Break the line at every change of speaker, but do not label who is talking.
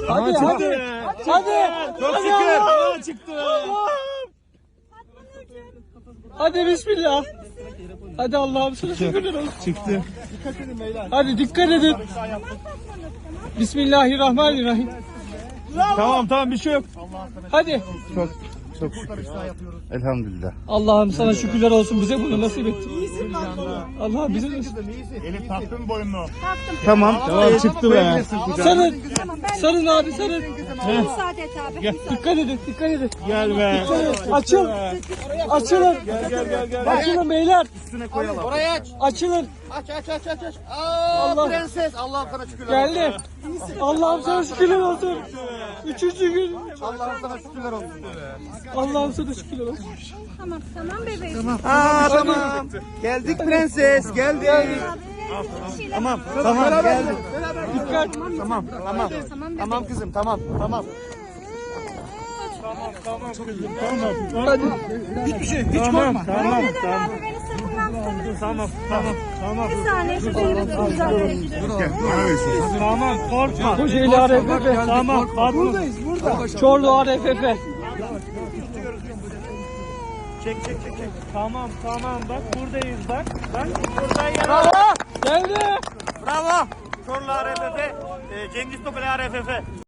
Hadi hadi. Hadi.
Çok
Hadi
şükür.
Allah.
Çıktı.
Hadi bismillah. Hadi Allah'ım sana şükürler olsun.
Çıktı.
Hadi dikkat edin. Bismillahirrahmanirrahim.
Tamam bir şey yok.
Hadi.
Çok şükür. Elhamdülillah.
Allah'ım sana şükürler olsun, bize bunu nasip ettin. Allah'ım bize nasip.
Elif taktın boynunu.
Tamam.
Çıktı be.
Sarın. Sarın abi sarın.
Müsaade et abi.
Dikkat edin, dikkat edin.
Gel be.
Açıl. Açılın.
Gel.
Açılın beyler.
Üstüne koyalım.
Orayı aç.
Açılın.
Aç.
Allah.
Prenses. Allah'ım sana şükürler olsun.
Geldi. Allah'ım sana şükürler olsun. Üçüncü gün.
Allah'ım sana şükürler olsun.
Allah'ım sana şükürler olsun.
Tamam bebeğim.
Tamam. Geldik prenses. Geldik. Tamam geldik.
Dikkat.
Tamam kızım tamam.
Hadi.
Tamam.
Abi beni sırtımdan tutabilirsin.
Tamam.
Bir saniye şu beyimi tutacağım.
Tamam korkma.
Kocaeli ARFF.
Tamam.
Buradayız burada. Çorlu ARFF.
Çek. Tamam bak buradayız bak. Bak buradayız.
Geldi.
Bravo. Çorlu ARFF. Cengiz Topel ARFF.